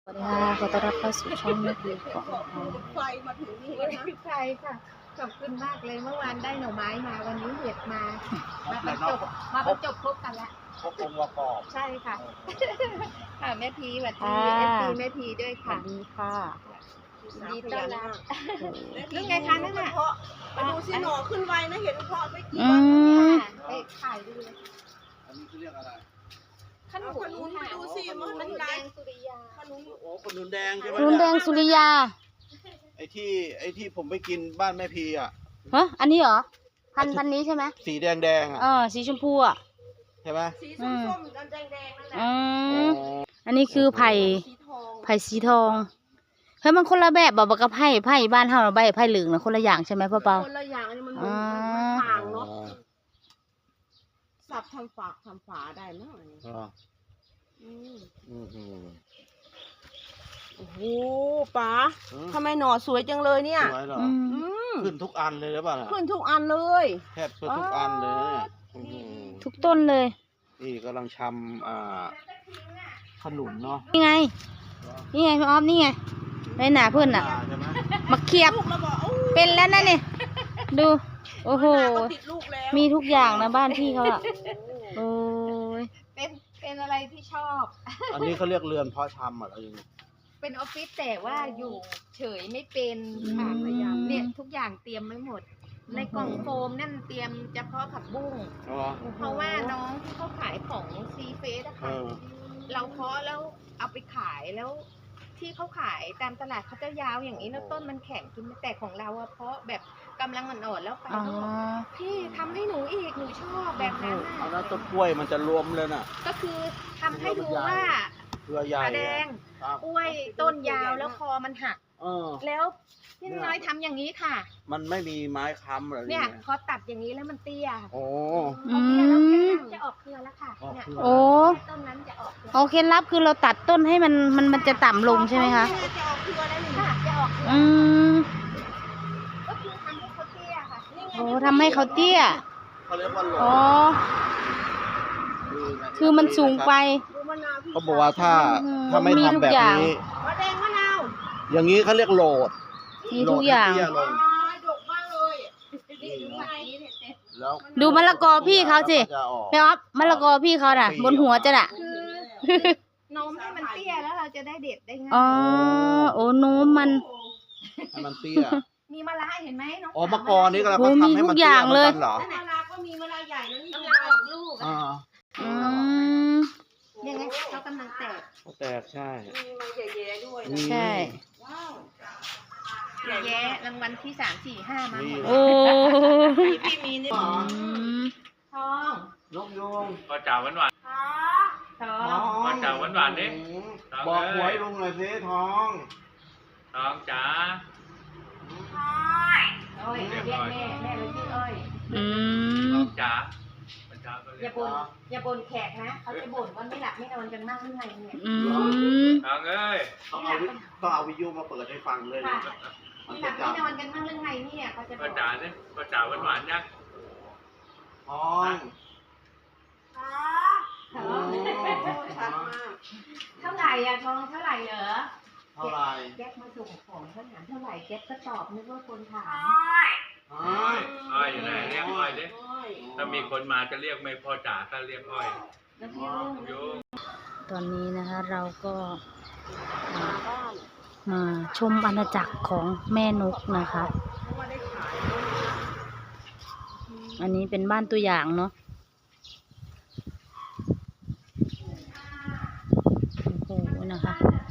สวัสดีค่ะขอต้อนรับเข้าสู่ช่องแม่พีของเราไฟมาถึงนี่วันนะนี้ใครค่ะขอบคุณมากเลยเมื่อวานได้หน่อไม้มาวันนี้เห็ดมาบรรจบครบกันละครบองค์ประกอบใช่ค่ะค่ะแม่พีสวัสดีค่ะ FC แม่พีด้วยสวัค่ะสดีค่ะยินดีต้อนรับโอ้โหเรื่องไงคะนั่นน่ะไปดูสิหน่อขึ้นไวนะเห็นเพาะไม่กี่อืวันมไปถ่ายดูเลยอันนี้เขาเรียกอะไรขนุนค่ะดูสิมันขนุนได้แดงสุริยาขนุนโอ้ขนุนแดงใช่ไหมรุนแดงสุริยาไอ้ที่ผมไปกินบ้านแม่พีอ่ะฮะอันนี้เหรอพันนี้ใช่ไหมสีแดงอ่ะสีชมพูอ่ะใช่ไหมสีส้มๆแดงๆนั่นแหละอืมอันนี้คือไผ่สีทองไผ่สีทองเฮ้ยมันคนละแบบบอกกับไผ่บ้านเฮาใบไผ่เหลืองนะคนละอย่างใช่ไหมพ่อเปาคนละอย่างนี่มันอ๋อต่างเนาะสับทำฝาได้ไหมอ๋ออืมอืมโอ้โหป๋าทำไมหน่อสวยจังเลยเนี่ยสวยเหรออืมอืมขึ้นทุกอันเลยหรือเปล่าน่ะขึ้นทุกอันเลยแทบจะทุกอันเลยนะเนี่ยอื้อหือทุกต้นเลยนี่กำลังชำขนุนเนาะนี่ไงนี่ไงพี่ออฟนี่ไงในหนาเพื่อนน่ะใช่ไหมมาเคียบลูกแล้วบอกโอ้เป็นแล้วนะเนี่ยดูโอ้โหก็ติดลูกแล้วมีทุกอย่างนะบ้านพี่เขาอะโอ้ยเป็นอะไรที่ชอบอันนี้เขาเรียกเรือนเพาะชำอะไรอย่างเงี้ยเป็นออฟฟิศแต่ว่าอยู่เฉยไม่เป็นค่ะพยายามเนี่ยทุกอย่างเตรียมไว้หมด ในกล่องโฟมนั่นเตรียมเฉพาะผักบุ้งอ๋อเพราะว่าน้องที่เขาขายของซีเฟสอะเอค่ะอเราเพาะแล้วเอาไปขายแล้ว ที่เขาขายตามตลาดเขาจะยาวอย่างนี้แล้วต้นมันแข็งกินไม่แต่ของเราอะเพาะแบบกำลังอ่อนๆแล้วไปอ๋อเขาบอกพี่ทำให้หนูอีกหนูชอบแบบนั้นเอาน่ะแล้วต้นกล้วยมันจะรวมเลยน่ะก็คือทำให้ดูว่าเครือใหญ่ขาแดงครับกล้วยต้นยาวแล้วคอมันหักเออแล้วพี่น้อยทำอย่างนี้ค่ะมันไม่มีไม้ค้ำเหรอเนี่ยพอตัดอย่างนี้แล้วมันเตี้ยโอ้อืพอเตี้ยแล้วแค่มนั้นจะออกเครือแล้วค่ะออกเนี่ยเครือโอ้ต้นนั้นจะออกเครือโอเคลับคือเราตัดต้นให้มันจะต่ำลงใช่ไหมคะจะออกเครือแล้วนี่ค่ะจะออกเครืออืมก็คือทำให้เขาเตี้ยค่ะนี่ไงโอ้ทำให้เขาเตี้ยเขาเรียกว่าโหลอ๋อคือมันสูงไปดูมะนาวพี่เขาบอกว่าถ้าอืมไม่มีทุทำกแบบอย่างนี้มะแดงมะนาวอย่างนี้เขาเรียกโหลดมีทุกอย่างโหลดให้เตี้ลงดกมากเลยนี่ดูไงนี่เนี่ยแล้วดูมะละกอพี่เขาสิจะออกพี่ออฟมะละกอพี่เขาน่ะ บนหัวจะน่ะคือโน้มให้มันเตี้ยแล้วเราจะได้เด็ดได้ง่ายอ๋อโอ้โน้มมันให้มันเตี้ยมีมะระเห็นไหมน้องอ๋อมะกอนี่ก็เราโอ้ก็มีทำให้ทุมันกอเตี้ย่าย งเหมืเลอย นกันเหรอมะระก็มีมะระใหญ่แล้วนี่มะระออกลูกอ่าอืมยังไงเขากำลังแตกแตกใช่มีมาแย่ๆด้วยใช่ว้าวแย่รางวัลที่3 4 5มาหมดโอ้พี่มีนี่อืมทองนกยูงก็จ่าหวานหวานทองมาจากหวานๆดิบอกหวยลุงหน่อยสิทองทองจ๋าอ้อยเรียกแม่เราชื่ออ้อยอืทมองจ๋ามันจ๋าก็อเรียย่าก บ่นแขกนะเขาจะบ่นว่าไม่หลับไม่นอนกันมากหรือไงเนี่ยอืมทองเอ้ยต้องเอาวิทยุมาเปิดให้ฟังเลยนะค่ะมันไม่หจะลับจัไม่บนอนกันมากหรือไงเนี่ยเขาจะบก็อกจ่าเนี่ยก็จ่าหวานหวานๆยังทองทองเท่าไหร่อะทองเท่าไหร่เหรอเท่าไหร่แก๊ปมาส่งของเขาถามเท่าไหร่แก๊ปก็ตอบนึกว่าคนถามอ้อยอยู่ไหนเรียกอ้อยดิถ้ามีคนมาจะเรียกไม่พอจ่าถ้าเรียกอ้อยแล้วพี่รุ่งโยงตอนนี้นะคะเราก็มาชมอาณาจักรของแม่นกนะคะ อันนี้เป็นบ้านตัวอย่างเนาะโอ้โหนะคะ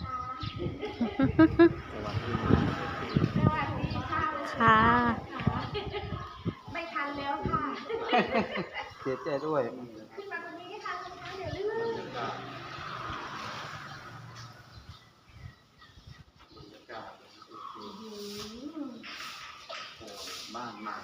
สวัสดีค่ะค่ะไม่ทันแล้วค่ะเสียใจด้วยขึ้นมาตรงนี้ไม่ทันแล้วค่ะเดี๋ยวลืมบ้านมาก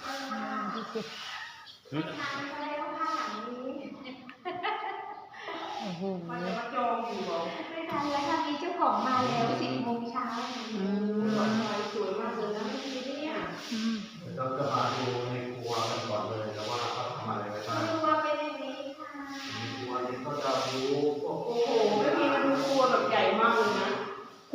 โอ้โหไม่ทันแล้วค่ะมีเจ้าของมาแล้ว10 โมงเช้าอืมสวยมากเลยนะพี่เนี่ยอืมเราจะมาดูในครัวกันก่อนเลยนะว่าเขาทำอะไรไว้บ้างครัวเป็นอย่างนี้ค่ะในครัวนี้ก็จะรู้พวกโอ้โหไม่มีมันครัวแบบใหญ่มากเลยนะพ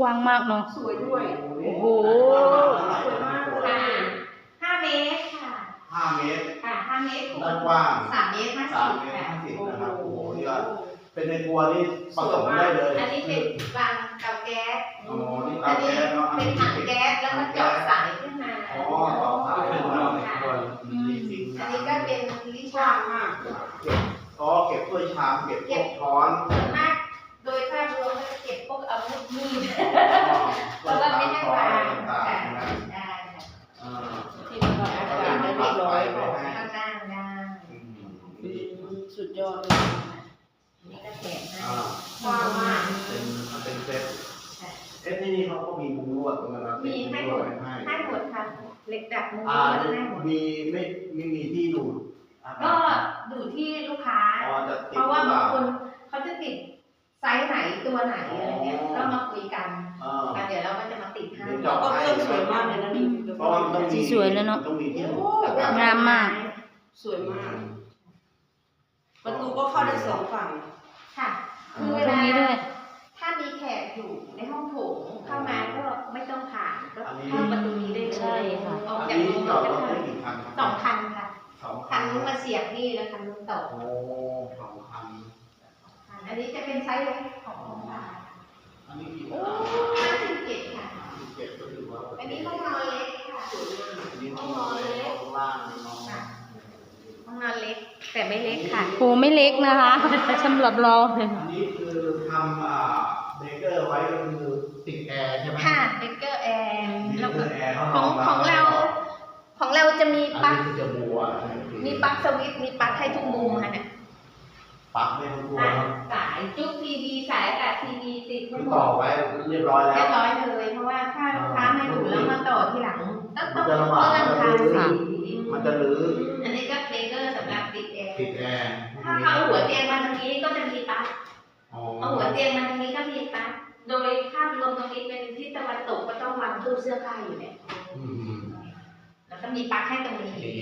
กว้างมากเนาะสวยด้วยโอ้โหสวยมากเลย 5 เมตรค่ะ 5 เมตรค่ะ5 เมตรด้านกว้าง 3 เมตร 3 เมตร 50 ค่ะ 50นะครับโอ้โหนี่ก็เป็นในครัวนี่ผสมได้เลยอันนี้เป็นวางเตาแก๊สอ๋อนี่อัเตานนี้แก๊สเนาะเป็นถังแก๊สแล้วก็เจาะสายขึ้นมาอ๋อต่อสายขึ้นมาในครัวนี่จริงอันนะนี้ก็เป็นลิ้นกว้าชังกมากเก็บถ้วยชามเก็บพวกช้อนส่วนมากโดยภาพรวมก็จะเก็บพวกอาวุธมีดเพราะว่าไม่ให้วางต่างค่ะๆนะได้ค่ะที่ระบายอากาศได้เรียบร้อยค่ะข้างล่างได้สุดยอดเลยนี่ก็แถมให้กว้างมากเป็นเซตเซตนี่เขาก็มีมุ้งลวดตรงนั้นนะมีให้หมดให้หมดค่ะเหล็กดัดมุ้งลอ่าวดให้หมดมีไม่มีที่ดูดก็ดูที่ลูกค้าอ๋อจะติดเพราะว่าบางคนเขาจะติดไซส์ไหนตัวไหนอะไรเงี้ยก็มาคุยกันเออแล้วเดี๋ยวเราก็จะมาติดให้เดี๋ยวก็เจาะเครื่องสวยมากเลยนะนี่เพราะว่ามันต้องมีสวยแล้วเนอะต้องมีที่ดูดงามมากสวยมาก ประตูก็เข้าได้สองฝั่งค่ะอ๋อตรงนี้ด้วยถ้ามีแขกอยู่ในห้องโถงเข้ามาก็ไม่ต้องผ่านก็เข้าประตูนี้ได้เลยใช่ค่ะออกอันจากนี้โรงจอดจะรถผ่าได้นกี่คันครับ 2 คันค่ะ 2 คันนู้นมาเสียบนี่แล้วคันนู้นต่อโอ้2 คันอันนี้จะเป็นไซส์เล็กของโรงพยาบาลอันนี้กี่โอ้คัน 57ค่ะ 7ก็ถือว่าอันนี้ห้องนอนเล็กค่ะอันนี้ห้องนอนเล็กข้างล่างนี่เนาะค่ะห้องนอนเล็กแต่ไม่เล็กค่ะโหไม่เล็กนะคะสำหรับเราอันนี้คือทำเบเกอร์ไว้ก็คือติดแอร์ใช่ไหมค่ะเบเกอร์แอร์มีแล้วเบก็เกอร์แอร์ของเราจะมีอันปลั๊กนี้คือจะบัวมีปลั๊กสวิตช์มีปลั๊กให้ทุกมุมค่ะเนี่ยปลั๊กไม่ต้องกลัวอ่ะครับสายจุ๊กทีวีสายอากาศทีวีติดคืทั้องหมต่อดไว้เรียบร้อยแล้เรีวยบร้อยเลยเพราะว่าถ้าลูกค้าไม่ดูแล้วมาต่อทีหลังต้องมันเลื่จะลำบากอนทางค่ะมันจะรื้ออันนี้ก็เบเกอร์สำหรับติดแอร์ติดแอร์ถ้าเอาหัวเตียงมาทางนี้ก็จะมีปลั๊กอ๋อเอาหัวเตียงมาทางนี้ก็มีปลั๊กโดยภาพรวมตรงนี้เป็นทิศตะวันตกก็ต้องวางตู้เสื้อผ้าอยู่เนี่ยอืมแล้วก็มีปลั๊กให้ตรงนี้นี่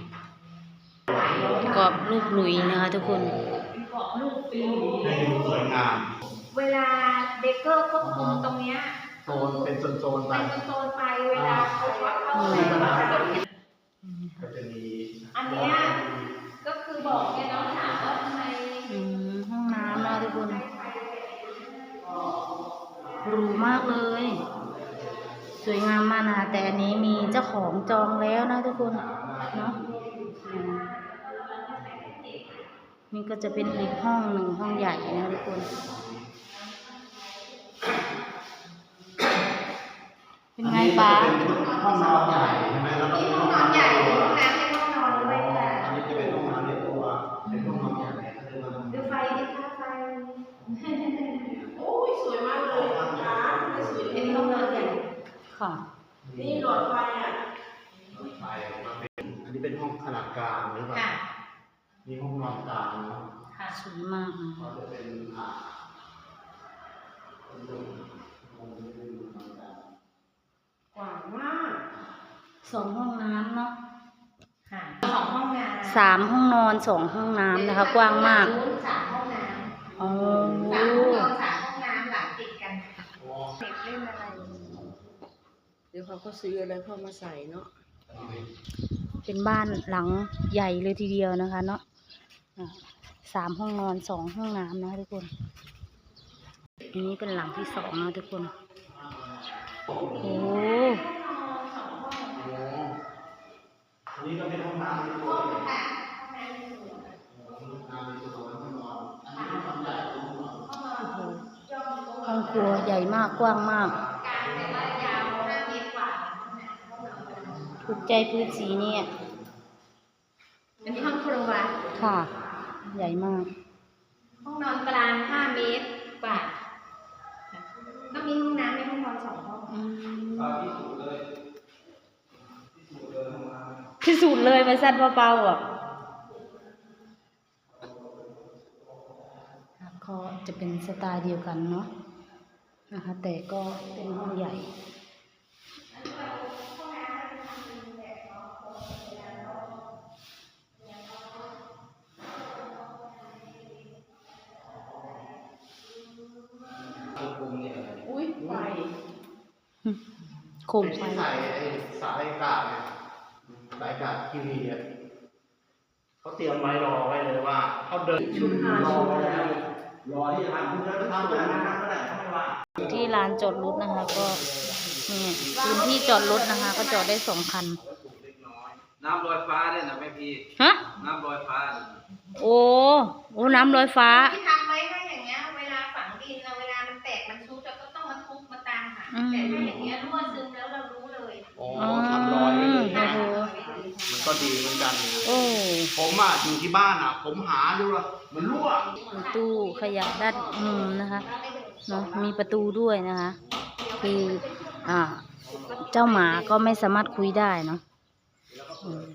กรอบรูปหลุยนะคะทุกคนเกาะลูกปีให้ดูสวยงามเวลาเบเกอร์ควบคุมตรงเนี้ยโซนเป็นโซนๆไปเป็นโซนๆไปเวลาเขาช็อตเข้าไปก็จะมีอันเนี้ยก็คือบอกแกน้องถามว่าทำไมห้องน้ำนะทุกคนหรูมากเลย สวยงามมากนะคะแต่อันนี้มีเจ้าของจองแล้วนะทุกคนเนาะอืมนี่ก็จะเป็นอีกห้องหนึ่งห้องใหญ่นะทุกคน เป็นไงป้าอันนี้จะเป็นห้องนอนใหญ่ใช่ไหมแล้วก็มีมีห้องนอนใหญ่มีห้องน้ำในห้องนอนด้วยค่ะอันนี้จะเป็นห้องนอนในตัวเป็นห้องนอนใหญ่คือมันดูไฟดิคะไฟโอ้ยสวยมากเลยนะคะไม่สวยเป็นห้องนอนใหญ่ค่ะนี่หลอดไฟอ่ะไฟมาเป็นอันนี้เป็นห้องขนาดกลางหรือเปล่าค่ะมีห้องนอนกลางเนาะค่ะสวยมากนะก็จะเป็นกว้างมากสองห้องน้ำเนาะค่ะ2 ห้องน้ำสามห้องนอนสองห้องน้ำนะคะ กว้างมาก 3 ห้องน้ำอ๋อ 3 ห้องนอน3 ห้องน้ำหลังติดกันเด็กเล่นอะไรเดี๋ยวเขาก็ซื้ออะไรเข้ามาใส่เนาะเป็นบ้านหลังใหญ่เลยทีเดียวนะคะเนาะอ่ะ3 ห้องนอน2 ห้องน้ำนะคะทุกคนอันนี้เป็นหลังที่2นะทุกคนโอ้โหอันนี้ก็เป็นห้องน้ำในตัวห้องน้ำในตัวห้องนอนอันนี้เป็นห้องใหญ่ห้องนอนห้องครัวใหญ่มากกว้างมากการแต่ว่ายาว5 เมตรกว่าถูกใจพื้นสีเนี่ยอันนี้ห้องครัวค่ะ ใหญ่มากห้องนอนกลาง5 เมตรกว่าก็มีห้องน้ำในห้องนอน2 ห้องที่สุดเลยมาสั้นเบาๆอ่ะก็จะเป็นสไตล์เดียวกันเนาะนะคะ แต่ก็เป็นห้องใหญ่อุ้ยไฟโคมเป็นไฟที่ใส่ไอ้สายอากาศเนี่ยสายอากาศทีวีอ่ะเขาเตรียมไว้รอไว้เลยว่าเขาเดินรอไว้แล้วรอที่จะทำคุณจะทำแบบนั้นก็ได้เขาไม่ว่าที่ลานจอดรถนะคะ ก็นี่พื้นที่จอดรถนะคะ ก็จอดได้2 คันน้ำลอยฟ้าเนี่ยนะแม่พี่ฮะน้ำลอยฟ้าโอ้น้ำลอยฟ้าที่ทำไว้ให้อย่างเงี้ยเวลาฝังดินนะเวลามันแตกมันชุดเราก็ต้องมาทุบมาตามหาอืมแต่ถ้าอย่างเงี้ยรั่วซึมแล้วเรารู้เลยอ๋อทำรอยไว้เลยโอ้ใช่ไหมโหมันก็ดีเหมือนกันโอ้ผมอ่ะอยู่ที่บ้านอ่ะ ผมหาดูละมันรั่วมีตู้ขยะด้านมุมนะคะเนาะมีประตูด้วยนะคะ คือเจ้าหมาก็ไม่สามารถคุยได้เนาะอืม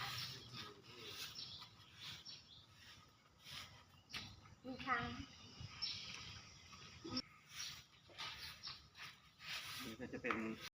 มีทางนี่ก็จะเป็น